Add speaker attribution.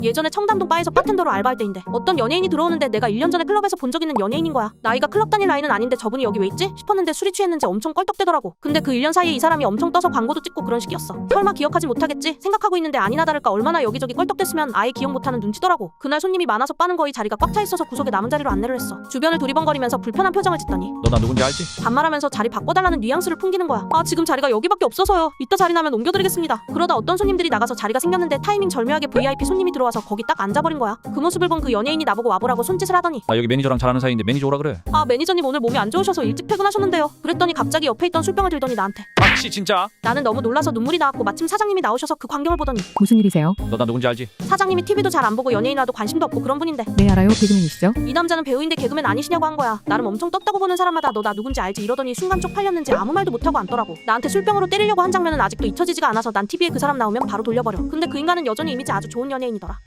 Speaker 1: 예전에 청담동 바에서 바텐더로 알바할 때인데 어떤 연예인이 들어오는데 내가 1년 전에 클럽에서 본 적 있는 연예인인 거야. 나이가 클럽 다닐 나이는 아닌데 저분이 여기 왜 있지? 싶었는데 술이 취했는지 엄청 껄떡대더라고. 근데 그 1년 사이에 이 사람이 엄청 떠서 광고도 찍고 그런 식이었어. 설마 기억하지 못하겠지? 생각하고 있는데 아니나 다를까 얼마나 여기저기 껄떡댔으면 아예 기억 못하는 눈치더라고. 그날 손님이 많아서 바는 거의 자리가 꽉 차 있어서 구석에 남은 자리로 안내를 했어. 주변을 두리번거리면서 불편한 표정을 짓더니
Speaker 2: 너 나 누군지 알지?
Speaker 1: 반말하면서 자리 바꿔달라는 뉘앙스를 풍기는 거야. 아 지금 자리가 여기밖에 없어서요. 이따 자리 나면 옮겨드리겠습니다. 그러다 어떤 손님들이 나가서 자리가 생겼는데 타이밍 절묘하게 VIP 손님이 들어와서 거기 딱 앉아버린 거야. 그 모습을 본 그 연예인이 나보고 와보라고 손짓을 하더니
Speaker 2: 나 여기 매니저랑 잘 아는 사이인데 매니저 오라 그래.
Speaker 1: 아 매니저님 오늘 몸이 안 좋으셔서 일찍 퇴근하셨는데요. 그랬더니 갑자기 옆에 있던 술병을 들더니 나한테.
Speaker 2: 박씨 진짜?
Speaker 1: 나는 너무 놀라서 눈물이 나왔고 마침 사장님이 나오셔서 그 광경을 보더니
Speaker 3: 무슨 일이세요?
Speaker 2: 너 나 누군지 알지?
Speaker 1: 사장님이 TV도 잘 안 보고 연예인이라도 관심도 없고 그런 분인데
Speaker 3: 네 알아요. 개그맨이시죠?
Speaker 1: 이 남자는 배우인데 개그맨 아니시냐고 한 거야. 나름 엄청 떴다고 보는 사람마다 너 나 누군지 알지 이러더니 순간 쪽팔렸는지 아무 말도 못하고 앉더라고. 나한테 술병으로 때리려고 한 장면은 아직도 잊혀지지가 않아서 난 TV에 그 사람 나오면 바로 돌려버려. 근데 그 인간은 여전히 이미지 아주 좋은 연예인이더라.